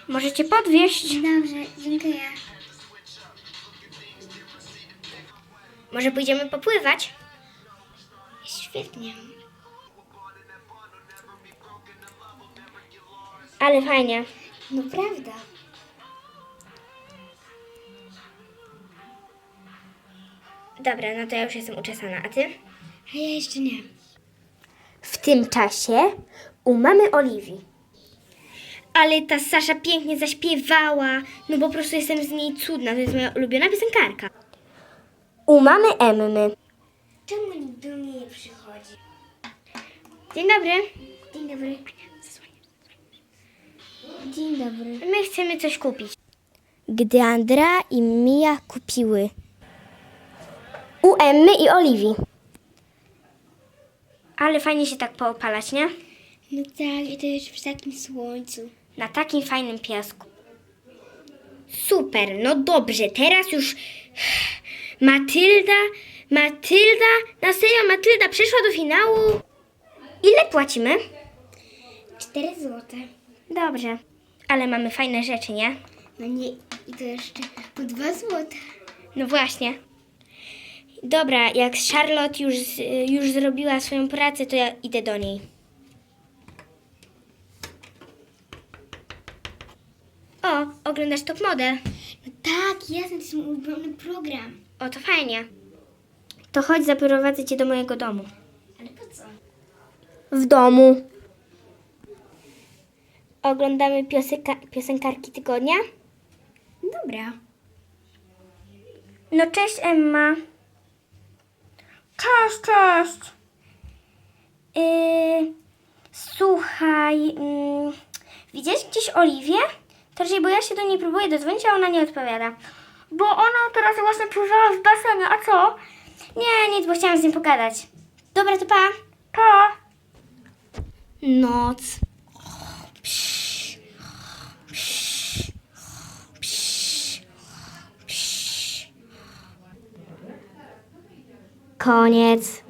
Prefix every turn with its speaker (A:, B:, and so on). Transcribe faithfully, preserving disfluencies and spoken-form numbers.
A: Możecie podwieźć.
B: Dobrze, dziękuję.
A: Może pójdziemy popływać?
B: Świetnie.
A: Ale fajnie.
B: No prawda.
A: Dobra, no to ja już jestem uczesana, a ty?
B: A ja jeszcze nie.
A: W tym czasie u mamy Oliwii. Ale ta Sasza pięknie zaśpiewała. No po prostu jestem z niej cudna. To jest moja ulubiona piosenkarka. U mamy Emmy.
B: Czemu nikt do mnie nie przychodzi?
A: Dzień dobry.
B: Dzień dobry. Dzień dobry.
A: My chcemy coś kupić. Gdy Andrea i Mia kupiły. U Emmy i Oliwii. Ale fajnie się tak poopalać, nie?
B: No tak, i to już w takim słońcu.
A: Na takim fajnym piasku. Super, no dobrze, teraz już Matylda, Matylda, na serio Matylda przeszła do finału. Ile płacimy?
B: Cztery złote.
A: Dobrze, ale mamy fajne rzeczy, nie?
B: No nie, i to jeszcze po dwa złote.
A: No właśnie. Dobra, jak Charlotte już, już zrobiła swoją pracę, to ja idę do niej. O, oglądasz Top Model?
B: No tak, jasne, to jest mój ulubiony program.
A: O, to fajnie. To chodź, zaprowadzę cię do mojego domu.
B: Ale po co?
A: W domu. Oglądamy piosenka, piosenkarki tygodnia.
B: Dobra.
A: No cześć, Emma. Cześć, cześć. Yy, słuchaj, yy, widziałeś gdzieś Oliwię? To raczej, bo ja się do niej próbuję dodzwonić, a ona nie odpowiada. Bo ona teraz właśnie pływała w basenie, a co? Nie, nic, bo chciałam z nim pogadać. Dobra, to pa. Pa. Noc. Psz, psz, psz, psz. Koniec.